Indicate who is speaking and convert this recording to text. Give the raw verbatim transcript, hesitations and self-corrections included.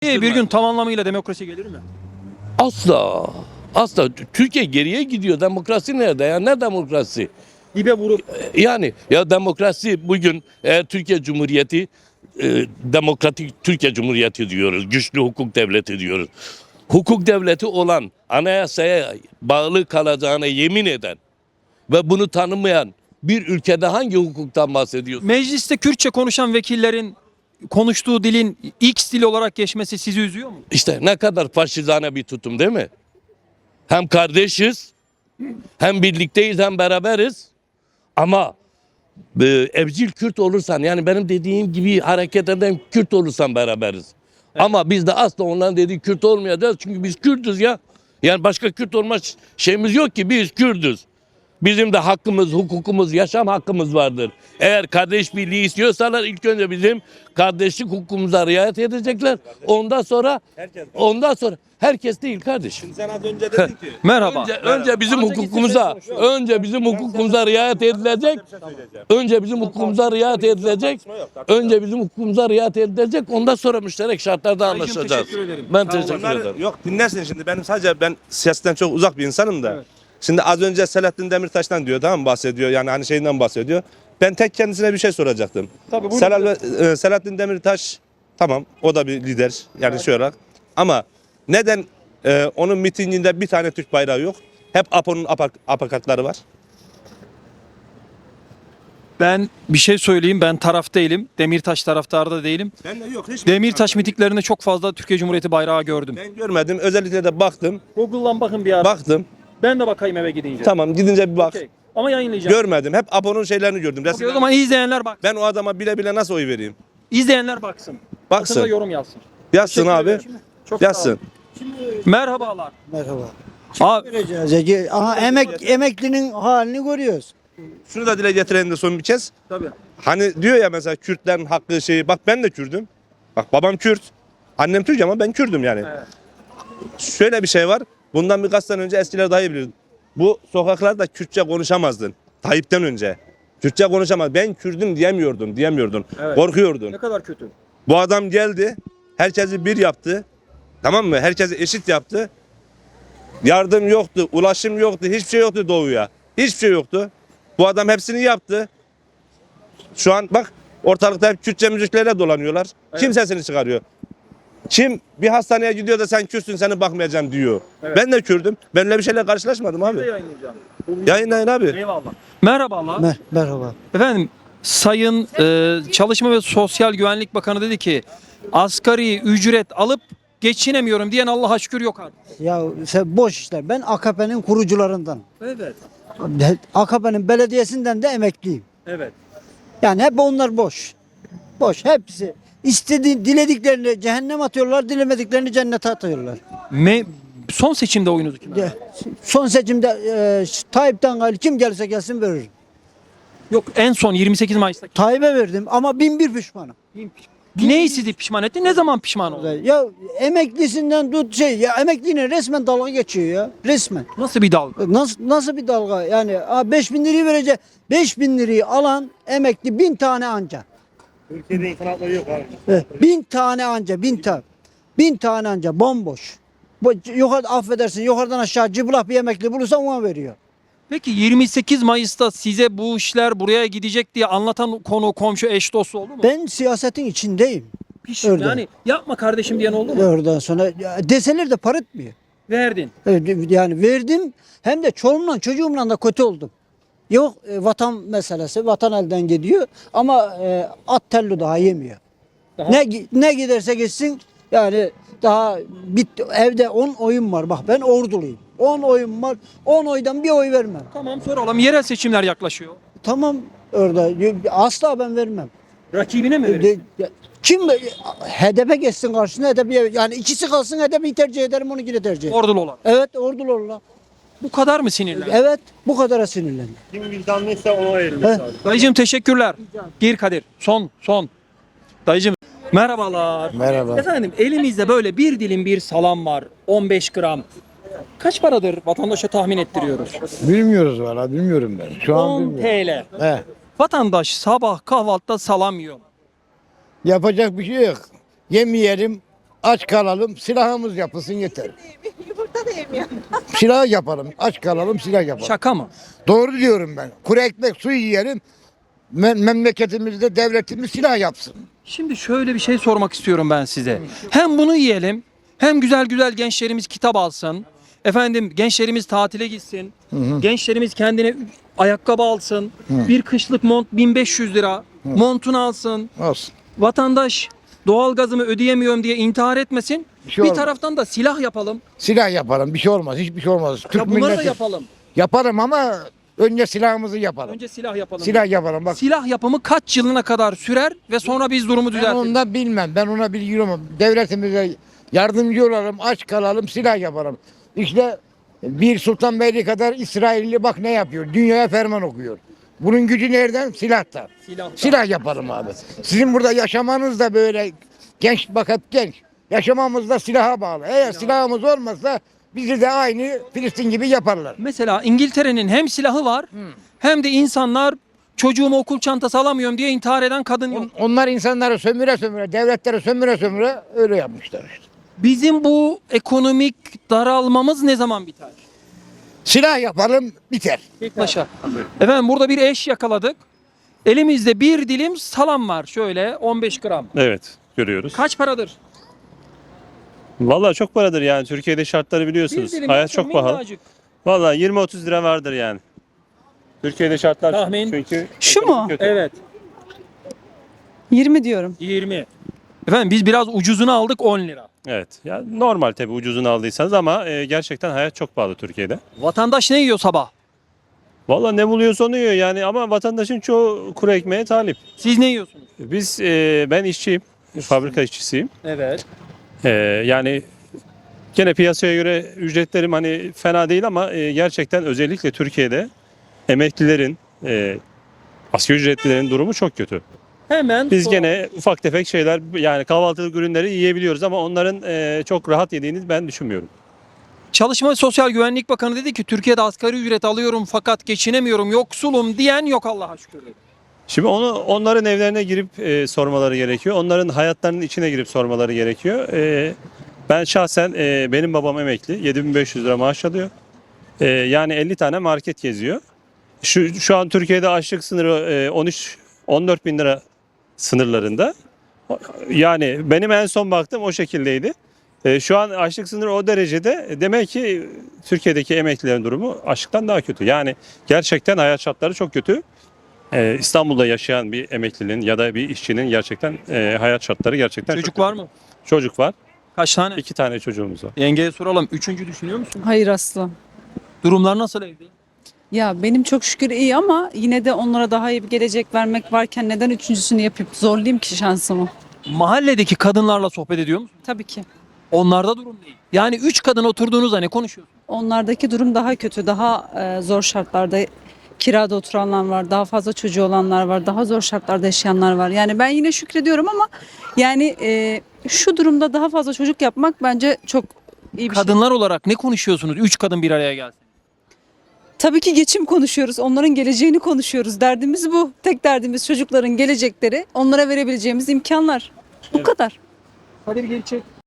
Speaker 1: Bir gün tam anlamıyla demokrasi gelir mi?
Speaker 2: Asla. Asla. Türkiye geriye gidiyor. Demokrasi nerede ya? Ne demokrasi?
Speaker 1: Dibe vurup.
Speaker 2: Yani ya demokrasi bugün eğer Türkiye Cumhuriyeti e, demokratik Türkiye Cumhuriyeti diyoruz. Güçlü hukuk devleti diyoruz. Hukuk devleti olan, anayasaya bağlı kalacağına yemin eden ve bunu tanımayan bir ülkede hangi hukuktan bahsediyoruz?
Speaker 1: Mecliste Kürtçe konuşan vekillerin konuştuğu dilin X dili olarak geçmesi sizi üzüyor mu?
Speaker 2: İşte ne kadar faşizane bir tutum değil mi? Hem kardeşiz, hem birlikteyiz, hem beraberiz. Ama e, evcil Kürt olursan, yani benim dediğim gibi hareket eden Kürt olursan beraberiz. Evet. Ama biz de asla onların dediği Kürt olmayacağız. Çünkü biz Kürt'üz ya. Yani başka Kürt olma şeyimiz yok ki, biz Kürt'üz. Bizim de hakkımız, hukukumuz, yaşam hakkımız vardır. Eğer kardeş birliği istiyorsalar ilk önce bizim kardeşlik hukukumuza riayet edecekler. Ondan sonra ondan sonra herkes değil kardeşim.
Speaker 3: Sen az önce dedin ki.
Speaker 1: Merhaba.
Speaker 2: Önce, önce bizim hukukumuza, önce bizim hukukumuza riayet edilecek. Önce bizim hukukumuza riayet edilecek. Önce bizim hukukumuza riayet edilecek. Ondan sonra müşterek şartlarda anlaşacağız.
Speaker 1: teşekkür ederim.
Speaker 2: Ben teşekkür
Speaker 3: Bunları-
Speaker 2: ederim.
Speaker 3: Yok dinlersin şimdi, benim sadece ben siyasetten çok uzak bir insanım da.
Speaker 1: Evet.
Speaker 3: Şimdi az önce Selahattin Demirtaş'tan diyor, tamam mı, bahsediyor, yani hani şeyinden bahsediyor. Ben tek kendisine bir şey soracaktım.
Speaker 1: Tabii, buyurun.
Speaker 3: Selal, e, Selahattin Demirtaş tamam, o da bir lider yani şey olarak, ama neden e, onun mitinginde bir tane Türk bayrağı yok? Hep APO'nun apak, apakatları var.
Speaker 1: Ben bir şey söyleyeyim. Ben taraf değilim. Demirtaş taraftarı da değilim.
Speaker 3: Ben de yok. Hiç
Speaker 1: Demirtaş mitiklerinde çok fazla Türkiye Cumhuriyeti bayrağı gördüm.
Speaker 3: Ben görmedim. Özellikle de baktım.
Speaker 1: Google'dan bakın bir ara.
Speaker 3: Baktım.
Speaker 1: Ben de bakayım eve gidince.
Speaker 3: Tamam, gidince bir bak.
Speaker 1: Okey. Ama yayınlayacağım.
Speaker 3: Görmedim. Hep APO'nun şeylerini gördüm.
Speaker 1: Okey, o
Speaker 3: Resimlerini.
Speaker 1: zaman izleyenler bak.
Speaker 3: Ben o adama bile bile nasıl oy vereyim?
Speaker 1: İzleyenler baksın.
Speaker 3: Baksın.
Speaker 1: Altına yorum yazsın.
Speaker 3: Yazsın
Speaker 1: Teşekkür
Speaker 3: abi.
Speaker 1: ederim. Çok sağ
Speaker 3: Yazsın.
Speaker 1: olun. Merhabalar.
Speaker 4: Merhaba.
Speaker 1: Abi,
Speaker 4: Vereceğiz. Ege. Aha emek emeklinin halini görüyoruz.
Speaker 3: Şunu da dile getirelim de son bir kez.
Speaker 1: tabii.
Speaker 3: Hani diyor ya mesela Kürtlerin hakkı şeyi. Bak ben de Kürdüm. Bak babam Kürt. Annem Türk ama ben Kürdüm yani.
Speaker 1: Evet.
Speaker 3: Şöyle bir şey var. Bundan birkaç sene önce eskiler daha iyi bilir. Bu sokaklarda Kürtçe konuşamazdın. Tayyip'ten önce. Kürtçe konuşamaz. Ben Kürdüm diyemiyordun, diyemiyordun.
Speaker 1: Evet.
Speaker 3: Korkuyordun.
Speaker 1: Ne kadar kötü.
Speaker 3: Bu adam geldi. Herkesi bir yaptı. Tamam mı? Herkesi eşit yaptı. Yardım yoktu, ulaşım yoktu, hiçbir şey yoktu doğuya. Hiçbir şey yoktu. Bu adam hepsini yaptı. Şu an bak ortalıkta hep Kürtçe müziklerle dolanıyorlar. Kim sesini çıkarıyor? Kim bir hastaneye gidiyor da sen Kürtsün, seni bakmayacağım diyor.
Speaker 1: Evet.
Speaker 3: Ben de Kürdüm. Ben öyle bir şeyle karşılaşmadım
Speaker 1: Bir de
Speaker 3: abi.
Speaker 1: yayınlayacağım.
Speaker 3: Yayınlayın abi.
Speaker 1: Eyvallah. Merhabalar.
Speaker 4: Mer merhaba.
Speaker 1: Efendim, Sayın e, Çalışma ve Sosyal Güvenlik Bakanı dedi ki asgari ücret alıp geçinemiyorum diyen Allah'a şükür yok artık.
Speaker 4: Ya sen boş işler. Ben A K P'nin kurucularından.
Speaker 1: Evet.
Speaker 4: A K P'nin belediyesinden de emekliyim.
Speaker 1: Evet.
Speaker 4: Yani hep onlar boş. Boş hepsi. İstediğin dilediklerini cehennem atıyorlar, dilemediklerini cennete atıyorlar.
Speaker 1: Me son seçimde oyunuzu kime?
Speaker 4: De, son seçimde e, Tayyip'ten gayrı kim gelirse gelsin veririm.
Speaker 1: Yok, en son yirmi sekiz Mayıs'ta.
Speaker 4: Tayyip'e verdim ama bin bir pişmanım.
Speaker 1: Neyi sizi pişman etti? Ne zaman pişman oldu?
Speaker 4: Ya emeklisinden tut şey ya emekliyle resmen dalga geçiyor ya. Resmen.
Speaker 1: Nasıl bir dalga?
Speaker 4: Nasıl nasıl bir dalga? Yani beş bin lirayı verecek. beş bin lirayı alan emekli bin tane anca.
Speaker 3: Türkiye'de insan hakları yok abi.
Speaker 4: Evet, bin tane anca, bin tane. Bin tane anca bomboş. Bu, yukarı, affedersin yukarıdan aşağı cıbılak bir emekli bulursa ona veriyor.
Speaker 1: Peki yirmi sekiz Mayıs'ta size bu işler buraya gidecek diye anlatan konu, komşu, eş, dostu oldu mu?
Speaker 4: Ben siyasetin içindeyim.
Speaker 1: Piş,
Speaker 4: Öyle.
Speaker 1: yani yapma kardeşim diyen oldu mu?
Speaker 4: Oradan sonra ya, deseler de para etmiyor.
Speaker 1: Verdin.
Speaker 4: Evet, yani verdim hem de çoluğumla çocuğumla da kötü oldum. Yok e, vatan meselesi, vatan elden gidiyor ama e, at telli daha yemiyor.
Speaker 1: Daha-
Speaker 4: Ne gi- ne giderse gitsin yani daha bitti. Evde on oyun var. Bak ben orduluyum. on oyun var. on oydan bir oy vermem.
Speaker 1: Tamam, soralım. Yerel seçimler yaklaşıyor.
Speaker 4: Tamam orada asla ben vermem.
Speaker 1: Rakibine mi
Speaker 4: E,
Speaker 1: verir?
Speaker 4: de- Kim H D P geçsin karşısına H D P'ye yani ikisi kalsın H D P'yi tercih ederim onu yine tercih ederim.
Speaker 1: Ordulu olan.
Speaker 4: Evet ordulu olurlar.
Speaker 1: Bu kadar mı sinirli?
Speaker 4: Evet bu kadara sinirlendim.
Speaker 3: Kim vicdanlıysa ona verilmesi
Speaker 4: He.
Speaker 3: lazım.
Speaker 1: Dayıcım teşekkürler. Gir Kadir. Son son. Dayıcım merhabalar.
Speaker 4: Merhaba.
Speaker 1: Efendim, elimizde böyle bir dilim bir salam var. on beş gram. Kaç paradır vatandaşa tahmin ettiriyoruz?
Speaker 5: Bilmiyoruz valla bilmiyorum ben. Şu an
Speaker 1: on
Speaker 5: bilmiyorum.
Speaker 1: T L.
Speaker 5: He.
Speaker 1: Vatandaş sabah kahvaltıda salam yiyor.
Speaker 5: Yapacak bir şey yok. Yemeyelim, aç kalalım, silahımız yapılsın yeter.
Speaker 6: Yumurta da yemiyor.
Speaker 5: Silah yapalım, aç kalalım, silah yapalım.
Speaker 1: Şaka mı?
Speaker 5: Doğru diyorum ben. Kuru ekmek, su yiyelim. Me- memleketimizde devletimiz silah yapsın.
Speaker 1: Şimdi şöyle bir şey sormak istiyorum ben size. Hem bunu yiyelim, hem güzel güzel gençlerimiz kitap alsın. Efendim gençlerimiz tatile gitsin. Gençlerimiz kendine ayakkabı alsın. Bir kışlık mont bin beş yüz lira. Montunu alsın.
Speaker 5: Olsun.
Speaker 1: Vatandaş doğalgazımı ödeyemiyorum diye intihar etmesin.
Speaker 5: Bir şey
Speaker 1: bir
Speaker 5: olmaz.
Speaker 1: taraftan da silah yapalım.
Speaker 5: Silah yapalım, bir şey olmaz, hiçbir şey olmaz. Türk
Speaker 1: Ya bunları da
Speaker 5: milleti
Speaker 1: yapalım.
Speaker 5: yaparım ama önce silahımızı yapalım.
Speaker 1: Önce silah yapalım.
Speaker 5: Silah yapalım bak.
Speaker 1: Silah yapımı kaç yılına kadar sürer ve sonra biz durumu
Speaker 5: Ben
Speaker 1: düzeltiriz.
Speaker 5: onu da bilmem, ben ona bilgi olmam. Devletimize yardımcı olalım, aç kalalım, silah yapalım. İşte bir Sultanbeyli kadar İsrailli bak ne yapıyor, dünyaya ferman okuyor. Bunun gücü nereden? Silahtan.
Speaker 1: Silahtan.
Speaker 5: Silah yapalım abi. Sizin burada yaşamanız da böyle genç, bak hep genç. Yaşamamız da silaha bağlı. Eğer silahımız olmazsa bizi de aynı Filistin gibi yaparlar.
Speaker 1: Mesela İngiltere'nin hem silahı var hem de insanlar çocuğuma okul çantası alamıyorum diye intihar eden kadın yok.
Speaker 5: On- Onlar insanları sömüre sömüre, devletleri sömüre sömüre öyle yapmışlar işte.
Speaker 1: Bizim bu ekonomik daralmamız ne zaman biter?
Speaker 5: Silah yapalım biter.
Speaker 1: Paşa. Efendim burada bir eş yakaladık. Elimizde bir dilim salam var şöyle on beş gram.
Speaker 7: Evet, görüyoruz.
Speaker 1: Kaç paradır?
Speaker 7: Vallahi çok paradır yani. Türkiye'de şartları
Speaker 1: Bir
Speaker 7: biliyorsunuz.
Speaker 1: dilim
Speaker 7: Hayat
Speaker 1: yaptım,
Speaker 7: çok pahalı.
Speaker 1: minnacık.
Speaker 7: Vallahi yirmi otuz lira vardır yani. Türkiye'de şartlar
Speaker 1: Tahmin.
Speaker 7: çünkü
Speaker 8: Şu
Speaker 7: ekonomi
Speaker 8: mu?
Speaker 7: kötü.
Speaker 1: Evet.
Speaker 8: yirmi diyorum.
Speaker 1: yirmi. Efendim biz biraz ucuzunu aldık on lira.
Speaker 7: Evet. Ya normal tabii ucuzunu aldıysanız ama e, gerçekten hayat çok pahalı Türkiye'de.
Speaker 1: Vatandaş ne yiyor sabah?
Speaker 7: Vallahi ne buluyorsa onu yiyor yani ama vatandaşın çoğu kuru ekmeğe talip.
Speaker 1: Siz ne yiyorsunuz?
Speaker 7: Biz e, ben işçiyim. Fabrika işçisiyim.
Speaker 1: Evet.
Speaker 7: E, yani gene piyasaya göre ücretlerim hani fena değil ama e, gerçekten özellikle Türkiye'de emeklilerin, e, asgari ücretlilerin durumu çok kötü.
Speaker 1: Hemen
Speaker 7: Biz
Speaker 1: soralım.
Speaker 7: gene ufak tefek şeyler yani kahvaltılık ürünleri yiyebiliyoruz ama onların e, çok rahat yediğini ben düşünmüyorum.
Speaker 1: Çalışma ve Sosyal Güvenlik Bakanı dedi ki Türkiye'de asgari ücret alıyorum fakat geçinemiyorum, yoksulum diyen yok Allah'a şükür. dedi.
Speaker 7: Şimdi onu onların evlerine girip e, sormaları gerekiyor. Onların hayatlarının içine girip sormaları gerekiyor. E, ben şahsen e, benim babam emekli. yedi bin beş yüz lira maaş alıyor. E, yani elli tane market geziyor. Şu şu an Türkiye'de açlık sınırı e, on üç on dört bin lira sınırlarında. Yani benim en son baktığım o şekildeydi. E, şu an açlık sınırı o derecede. Demek ki Türkiye'deki emeklilerin durumu açlıktan daha kötü. Yani gerçekten hayat şartları çok kötü. E, İstanbul'da yaşayan bir emeklinin ya da bir işçinin gerçekten e, hayat şartları gerçekten
Speaker 1: Çocuk
Speaker 7: çok
Speaker 1: var
Speaker 7: kötü.
Speaker 1: mı?
Speaker 7: Çocuk var.
Speaker 1: Kaç tane?
Speaker 7: İki tane çocuğumuz var.
Speaker 1: Yengeye soralım. Üçüncü düşünüyor musun?
Speaker 8: Hayır asla.
Speaker 1: Durumlar nasıl evde?
Speaker 8: Ya benim çok şükür iyi ama yine de onlara daha iyi bir gelecek vermek varken neden üçüncüsünü yapıp zorlayayım ki şansımı?
Speaker 1: Mahalledeki kadınlarla sohbet ediyor musun?
Speaker 8: Tabii ki.
Speaker 1: Onlarda durum değil. Yani üç kadın oturduğunuzda ne konuşuyorsun?
Speaker 8: Onlardaki durum daha kötü, daha e, zor şartlarda kirada oturanlar var, daha fazla çocuğu olanlar var, daha zor şartlarda yaşayanlar var. Yani ben yine şükrediyorum ama yani e, şu durumda daha fazla çocuk yapmak bence çok iyi bir şey.
Speaker 1: Kadınlar olarak ne konuşuyorsunuz? Üç kadın bir araya gelsin.
Speaker 8: Tabii ki geçim konuşuyoruz. Onların geleceğini konuşuyoruz. Derdimiz bu. Tek derdimiz çocukların gelecekleri. Onlara verebileceğimiz imkanlar. Bu kadar.
Speaker 1: Hadi bir geri çek.